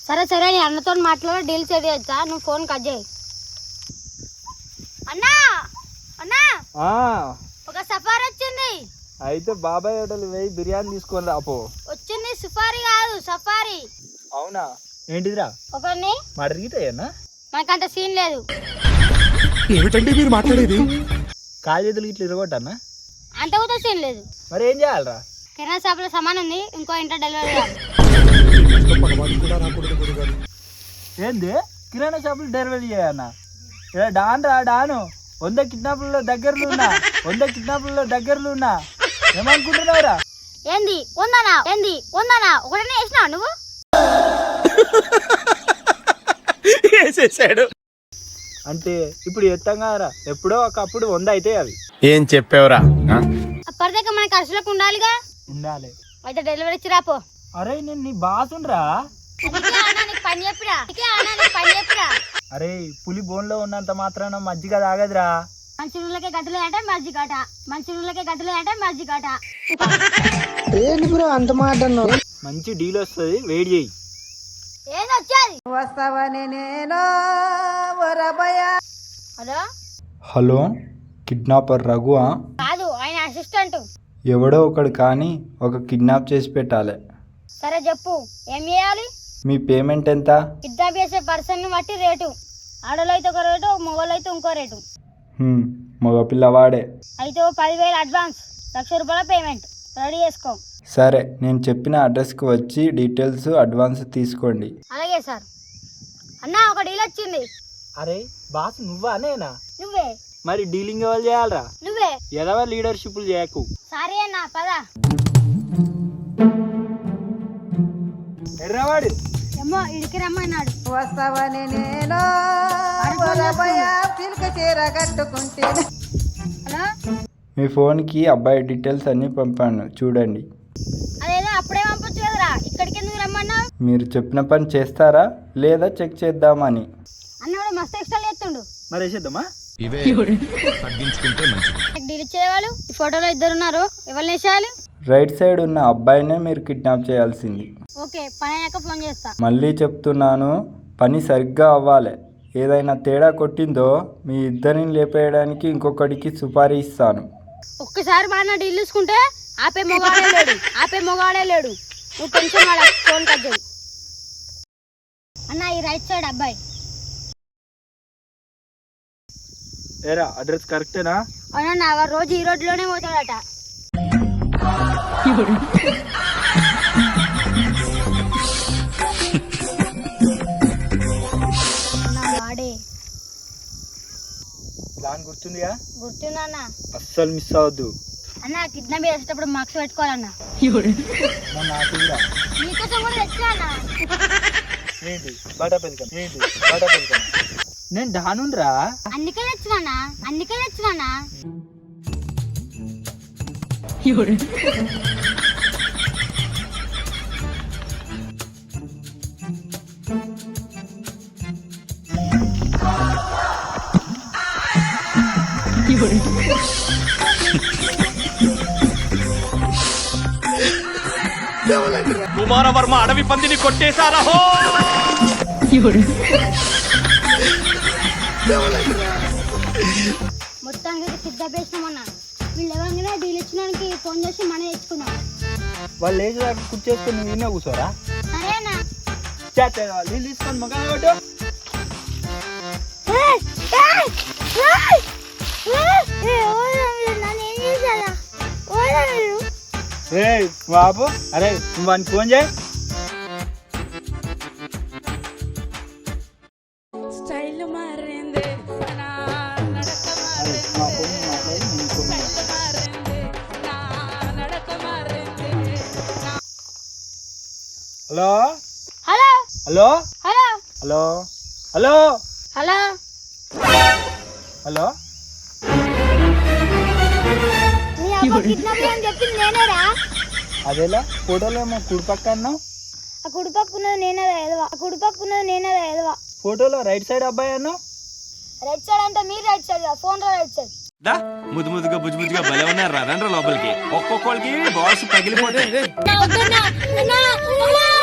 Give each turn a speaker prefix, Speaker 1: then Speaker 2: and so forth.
Speaker 1: సరే సరే నీ అన్నతో మాట్లాడి డీల్ సెట్ చేస్తా, నువ్వు ఫోన్ కట్ చేయి. అన్నా అన్నా ఒక సఫారీ వచ్చింది.
Speaker 2: అయితే బాబాయ్ హోటల్ పోయి బిర్యానీ తీసుకొని రాపో.
Speaker 1: వచ్చింది సుఫారీ కాదు సఫారీ.
Speaker 2: అవునా? ఏంటిదిరా?
Speaker 1: ఒకరిని
Speaker 2: మరిగితాయన్నా?
Speaker 1: మనకంత సీన్ లేదు.
Speaker 3: ఏమిటండి మీరు మాట్లాడేది?
Speaker 2: కాలు చేతులు ఇట్లా ఇరగొట్టన్నా?
Speaker 1: అంత కూడా సీన్ లేదు.
Speaker 2: మరి ఏం చేయాలరా?
Speaker 1: కిరాణా షాప్లో సమాన్ ఉంది, ఇంకో ఇంట్లో డెలివరీ చేయాలి.
Speaker 2: ఏంది కిరాణా షాపులు డెలివరీ చేయన్నా? డాన్ రా డాను, 100 కిడ్నాపుల్లో దగ్గరలో ఉన్నా ఏమనుకుంటున్నావురా?
Speaker 1: ఏంది ఉందనా ఒకటనే వేసినావు నువ్వు?
Speaker 3: వేసేసాడు.
Speaker 2: అంటే ఇప్పుడు ఎత్తంగారా, ఎప్పుడో ఒకప్పుడు 100 అయితే అవి.
Speaker 3: ఏం చెప్పావురా?
Speaker 1: అప్పటిదాకా మన ఖర్చులకు ఉండాలిగా.
Speaker 2: ఉండాలి.
Speaker 1: అయితే డెలివరీ ఇచ్చి రాపో.
Speaker 2: అరే నేను నీ బాసుండ్రా.
Speaker 1: పని చెప్పిరా.
Speaker 2: అరే పులి బోన్లో ఉన్నంత మాత్రాన మజ్జిగ తాగదురా.
Speaker 1: మంచి నూళ్ళకే గడ్డలు అంటే మజ్జిగాట.
Speaker 2: ఏంటి బ్రో అంత మాట? మంచి డీల్ వస్తుంది, వెయిట్ చేయి.
Speaker 1: ఏది వచ్చేది? హలో
Speaker 2: హలో, కిడ్నాపర్ రఘువా?
Speaker 1: కాదు, ఆయన అసిస్టెంట్.
Speaker 2: ఎవడో ఒకడు కానీ ఒక కిడ్నాప్ చేసి పెట్టాలి.
Speaker 1: సరే చెప్పు, ఏం చేయాలి?
Speaker 2: మీ పేమెంట్ ఎంత?
Speaker 1: కిడ్నాప్ చేసే పర్సన్ బట్టి రేటు. ఆడోళ్ళు అయితే ఒక రేటు, మొగోళ్ళు అయితే ఇంకో రేటు.
Speaker 2: మగ పిల్లవాడే
Speaker 1: అయితే 10,000 అడ్వాన్స్, 1,00,000 రూపాయల పేమెంట్ రెడీ చేసుకో.
Speaker 2: సరే, నేను చెప్పిన అడ్రస్కి వచ్చి డీటెయిల్స్ అడ్వాన్స్ తీసుకోండి.
Speaker 1: అలాగే సార్. అన్నా ఒక డీల్ వచ్చింది.
Speaker 2: అరే బాస్ నువ్వా నేనా?
Speaker 1: నువ్వే.
Speaker 2: మరి డీలింగ్ ఎవరు చేయాలరా?
Speaker 1: నువ్వే.
Speaker 2: ఎదవ లీడర్షిప్లు చేయకు.
Speaker 1: సారీ అన్నా, పద.
Speaker 2: ఎర్రవాడు
Speaker 1: ఏమో ఇడికి రమ్మన్నాడు.
Speaker 4: వస్తావని నేను చీర కట్టుకుంటే.
Speaker 1: హలో,
Speaker 2: మీ ఫోన్కి అబ్బాయి డీటెయిల్స్ అన్నీ పంపాను, చూడండి.
Speaker 1: అదేదో అప్పుడే పంపొచ్చు కదరా, ఇక్కడికి ఎందుకు రమ్మన్నావు?
Speaker 2: మీరు చెప్పిన పని చేస్తారా లేదా చెక్ చేద్దామని.
Speaker 1: అన్నవాడు మస్తు ఎక్స్ట్రా చేస్తుండు.
Speaker 2: మరి వేసేద్దామా?
Speaker 1: డీల్ ఇచ్చేవాళ్ళు ఈ ఫోటోలో 2 ఉన్నారు, ఎవరిని వేసేయాలి?
Speaker 2: రైట్ సైడ్ ఉన్న అబ్బాయినే మీరు కిడ్నాప్ చేయాల్సింది.
Speaker 1: ఓకే, పని అయ్యాక ఫోన్ చేస్తా.
Speaker 2: మళ్ళీ చెప్తున్నాను, పని సరిగ్గా అవ్వాలి. ఏదైనా తేడా కొట్టిందో మీ ఇద్దరిని లేపేయడానికి ఇంకొకడికి సుపారీ ఇస్తాను.
Speaker 1: ఒక్కసారి బాగా డీల్ చూసుకుంటే ఆపే మొగాడే లేడు. నువ్వు టెన్షన్ వాడ, ఫోన్ కట్ చేయి. అన్న ఈ రైట్ సైడ్ అబ్బాయి.
Speaker 2: ఏరా అడ్రస్ కరెక్టేనా?
Speaker 1: అవునన్నా, వాడు రోజు ఈ రోడ్లోనే పోతాడట. వాడే
Speaker 2: ప్లాన్ గుర్తుందిగా?
Speaker 1: గుర్తుందన్నా.
Speaker 2: అస్సలు మిస్ అవ్వద్దు.
Speaker 1: అన్న కిడ్నాప్ చేసేటప్పుడు మార్క్స్ పెట్టుకోవాలన్నా.
Speaker 2: నాకు కూడా.
Speaker 1: నీకోసం కూడా తెచ్చా అన్న.
Speaker 2: ఏంటి బాటా పెళ్ళికం? నేను డానుండ్రా.
Speaker 1: అందుకే తెచ్చినా.
Speaker 3: కుమారవర్మ అడవి పందిని కొట్టేశారా?
Speaker 1: మొత్తానికి కిడ్నాప్ చేసినామన్నా. వీళ్ళు ఎవరైనా డీల్ ఇచ్చినానికి ఫోన్ చేసి మనం తెచ్చుకుందాం.
Speaker 2: వాళ్ళు లేచి దాకా కూర్చేసుకొని నువ్వు నిన్న కూర్చోరా?
Speaker 1: సరేనా?
Speaker 2: నీళ్ళు తీసుకొని మొక్క కొట్టు. బాబు, అరే నువ్వు వానికి ఫోన్ చేయి.
Speaker 4: స్టైల్ మారింది,
Speaker 2: hello
Speaker 1: hello
Speaker 2: hello
Speaker 1: hello
Speaker 2: hello hello
Speaker 1: hello
Speaker 2: hello
Speaker 1: నీ అబ్బా కిడ్నాప్ అని చెప్పింది నేనేరా?
Speaker 2: అదేలా ఫోటోలో ఏమో కుడిపక్క అన్నావు.
Speaker 1: ఆ కుడిపక్కున్నది నేనేదా ఎదవా.
Speaker 2: ఫోటోలో రైట్ సైడ్ అబ్బాయి అన్నావు.
Speaker 1: రైట్ సైడ్ అంటే మీరు right side, phone right side.
Speaker 3: ముద్దుగా బుజ్జుగా భలే ఉన్నారు రండ్రా లోపలికి. ఒక్కొక్కరికి బాల్స్ పగిలిపోతాయి.